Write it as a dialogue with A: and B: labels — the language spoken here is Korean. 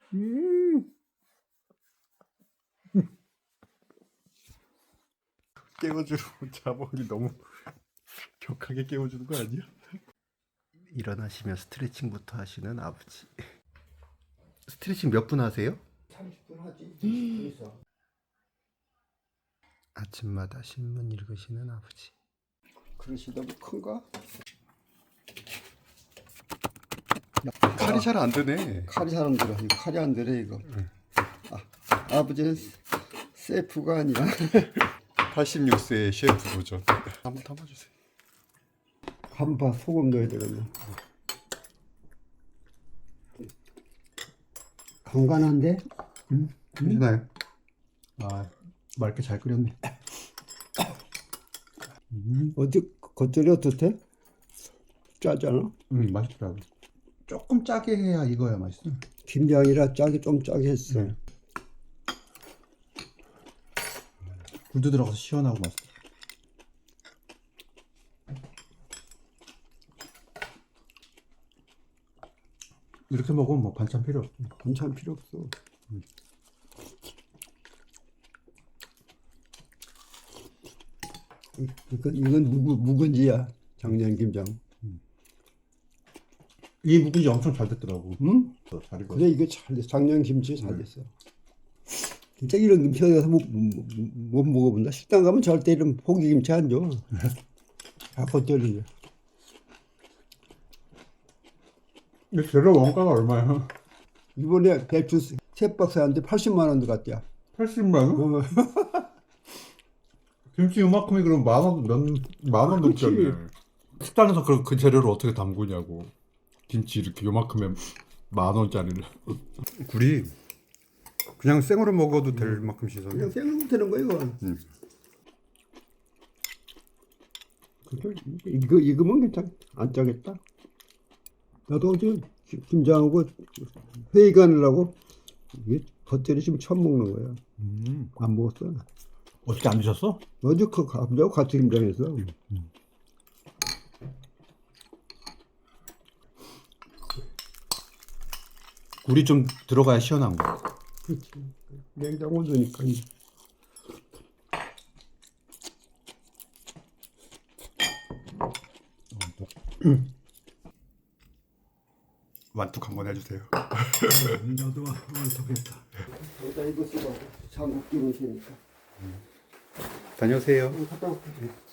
A: 깨워주러 자몽이 너무 격하게 깨워주는 거 아니야? 일어나시면 스트레칭부터 하시는 아버지. 스트레칭 몇 분 하세요?
B: 30분 하지. 그래서
A: 아침마다 신문 읽으시는 아버지.
B: 그릇이 너무 큰가?
A: 칼이 잘 안 드네.
B: 칼이 잘 안 들어. 이거 칼이 안 들어 이거. 아버지는 셰프가 아니야.
A: 86세의 셰프 도전. 한번 담아주세요.
B: 한파 소금 넣어야 되겠네. 간간한데?
A: 괜찮아요? 아, 맑게 잘 끓였네.
B: 어디 겉절이 어떻대? 짜잖아.
A: 맛있더라고. 조금 짜게 해야 이거야 맛있어.
B: 김장이라 짜게 좀 짜게 했어.
A: 굴도 들어가서 시원하고 맛있어. 이렇게 먹으면 뭐 반찬 필요 없어.
B: 반찬 필요 없어. 이건 묵은지야. 작년 김장.
A: 이 묵은지 엄청 잘 됐더라고.
B: 응?
A: 잘 익었어.
B: 그래 이게 잘 됐어. 작년 김치 잘 됐어. 진짜 이런 김치 어디 가서 못 먹어본다. 식당 가면 절대 이런 포기 김치 안 줘. 다 겉절이야.
A: 근데 재료 원가가 얼마야?
B: 이번에 배추 세 박스 하는데 80만 원 들어갔대요.
A: 80만 원? 김치 요만큼이 그럼 만원
B: 그치.
A: 넘겠네. 식당에서 그 재료를 어떻게 담그냐고. 김치 이렇게 요만큼에 10,000원짜리를. 굴이 그냥 생으로 먹어도 될 만큼 씻었네.
B: 그냥 생으로 되는 거야 이거. 이거 익으면 괜찮. 안 짜겠다. 나도 어제 김장하고 회의 가느라고 이게 겉절이 지금 처음 먹는 거야. 안 먹었어.
A: 어떻게 안 드셨어?
B: 어제 그 감자하고 같이 김장했어.
A: 굴이 좀 들어가야 시원한 거.
B: 그렇지. 냉장 온도니까.
A: 완뚝 한번 해주세요.
B: 나도 완뚝했다. 여기다 이거 쓰고 장국 끼우시니까.
A: 다녀오세요.
B: 갔다 올게.